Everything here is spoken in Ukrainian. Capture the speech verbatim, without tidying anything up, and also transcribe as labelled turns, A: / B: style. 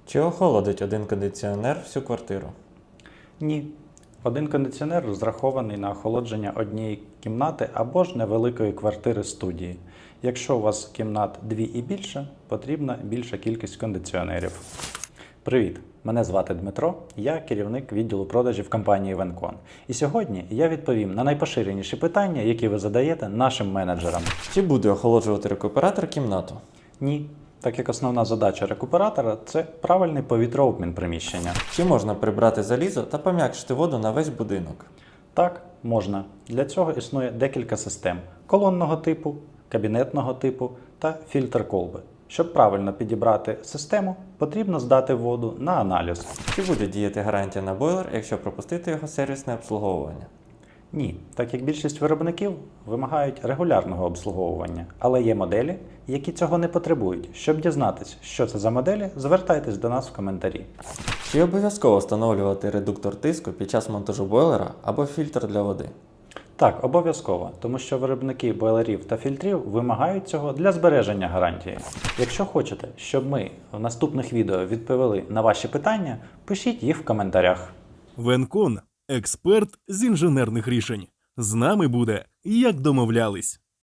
A: Чи охолодить один кондиціонер всю квартиру?
B: Ні. Один кондиціонер розрахований на охолодження однієї кімнати або ж невеликої квартири студії. Якщо у вас кімнат дві і більше, потрібна більша кількість кондиціонерів. Привіт! Мене звати Дмитро, я керівник відділу продажів компанії Венкон. І сьогодні я відповім на найпоширеніші питання, які ви задаєте нашим менеджерам.
A: Чи буде охолоджувати рекуператор кімнату?
B: Ні. Так як основна задача рекуператора – це правильний повітрообмін приміщення.
A: Чи можна прибрати залізо та пом'якшити воду на весь будинок?
B: Так, можна. Для цього існує декілька систем – колонного типу, кабінетного типу та фільтр колби. Щоб правильно підібрати систему, потрібно здати воду на аналіз.
A: Чи буде діяти гарантія на бойлер, якщо пропустити його сервісне обслуговування?
B: Ні, так як більшість виробників вимагають регулярного обслуговування, але є моделі, які цього не потребують. Щоб дізнатися, що це за моделі, звертайтесь до нас в коментарі.
A: Чи обов'язково встановлювати редуктор тиску під час монтажу бойлера або фільтр для води?
B: Так, обов'язково, тому що виробники бойлерів та фільтрів вимагають цього для збереження гарантії. Якщо хочете, щоб ми в наступних відео відповіли на ваші питання, пишіть їх в коментарях.
C: Венкон – експерт з інженерних рішень. З нами буде, як домовлялись.